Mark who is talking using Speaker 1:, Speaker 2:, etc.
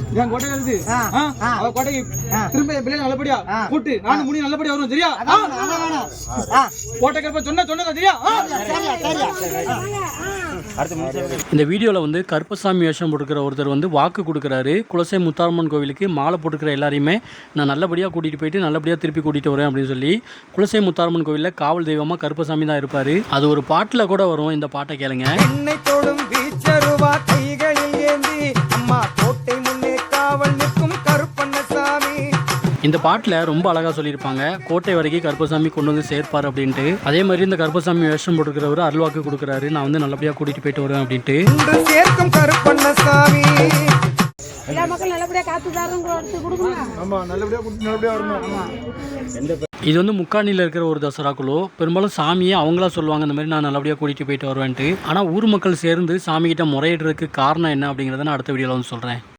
Speaker 1: என் கோட்டை இருக்குது அவ கோட்டைக்கு திரும்ப என் பிள்ளை நல்லபடியா கூட்டு நானும் முடி நல்லபடியா வரும் சரியா? கோட்டை கருப்ப சொன்னதா சரியா?
Speaker 2: இந்த வீடியோவில் வந்து கருப்பசாமி வேஷம் போட்டுக்கிற ஒருத்தர் வந்து வாக்கு கொடுக்குறாரு. குலசை முத்தாரம்மன் கோவிலுக்கு மாலை போட்டுக்கிற எல்லாரையுமே நான் நல்லபடியாக கூட்டிகிட்டு போயிட்டு நல்லபடியாக திருப்பி கூட்டிகிட்டு வரேன் அப்படின்னு சொல்லி குலசை முத்தாரம்மன் கோவிலில் காவல் தெய்வமாக கருப்பசாமி தான் இருப்பார். அது ஒரு பாட்டில் கூட வரும். இந்த பாட்டை கேளுங்க. இந்த பாட்டில் ரொம்ப அழகாக சொல்லியிருப்பாங்க. கோட்டை வரைக்கும் கருப்பசாமி கொண்டு வந்து சேர்ப்பார் அப்படின்ட்டு. அதே மாதிரி இந்த கருப்பசாமி வேஷம் போட்டுக்கிறவர் அருள்வாக்கு கொடுக்குறாரு. நான் வந்து நல்லபடியாக கூட்டிகிட்டு போயிட்டு வருவேன் அப்படின்ட்டு.
Speaker 3: எல்லா மக்களும் நல்லபடியாக காத்து
Speaker 2: இது வந்து முக்காணியில் இருக்கிற ஒரு தசரா குழு. பெரும்பாலும் சாமியை அவங்களா சொல்லுவாங்க இந்த மாதிரி நான் நல்லபடியாக கூட்டிகிட்டு போயிட்டு வருவேன்ட்டு. ஆனால் ஊர் மக்கள் சேர்ந்து சாமிகிட்ட முறையிடுறதுக்கு காரணம் என்ன அப்படிங்கிறத நான் அடுத்த வீடியோவில் வந்து சொல்கிறேன்.